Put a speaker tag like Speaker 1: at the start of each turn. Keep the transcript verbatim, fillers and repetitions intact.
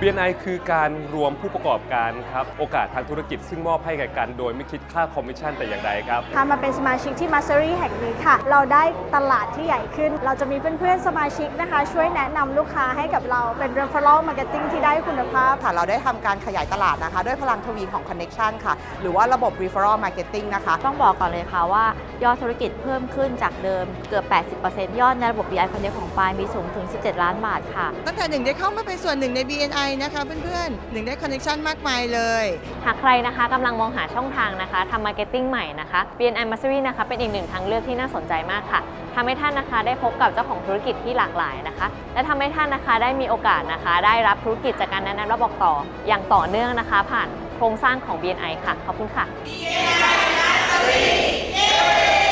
Speaker 1: บี เอ็น ไอ คือการรวมผู้ประกอบการครับโอกาสทางธุรกิจซึ่งมอบให้แก่กันโดยไม่คิดค่าคอมมิชชั่นแต่อย่างใดครับ
Speaker 2: ค่ะมาเป็นสมาชิกที่ Mastery แห่งนี้ค่ะเราได้ตลาดที่ใหญ่ขึ้นเราจะมีเพื่อนๆสมาชิกนะคะช่วยแนะนำลูกค้าให้กับเราเป็น referral marketing ที่ได้คุณภาพ
Speaker 3: ค่ะเราได้ทำการขยายตลาดนะคะด้วยพลังทวีของ connection ค่ะหรือว่าระบบ referral marketing นะคะ
Speaker 4: ต้องบอกก่อนเลยค่ะว่ายอดธุรกิจเพิ่มขึ้นจากเดิมเกือบ แปดสิบเปอร์เซ็นต์ ยอดในระบบ บี ไอ Connect ของปายมีสูงถึงสิบเจ็ดล้านบาทค่ะ
Speaker 3: ตั้งแต่หนึ่งได้เข้ามาเป็นส่วนหนึ่งใน บี เอ็น ไอ นะคะเพื่อนๆหนึ่งได้ connection มากมายเลย
Speaker 4: หากใครนะคะกำลังมองหาช่องทางนะคะทำมาร์เก็ตติ้งใหม่นะคะ บี เอ็น ไอ Mastery นะคะเป็นอีกหนึ่งทางเลือกที่น่าสนใจมากค่ะทำให้ท่านนะคะได้พบกับเจ้าของธุรกิจที่หลากหลายนะคะและทำให้ท่านนะคะได้มีโอกาสนะคะได้รับธุรกิจจากการแนะนำและบอกต่ออย่างต่อเนื่องนะคะผ่านโครงสร้างของ บี เอ็น ไอ ค่ะขอบคุณค่ะ
Speaker 5: บี เอ็น ไอ Mastery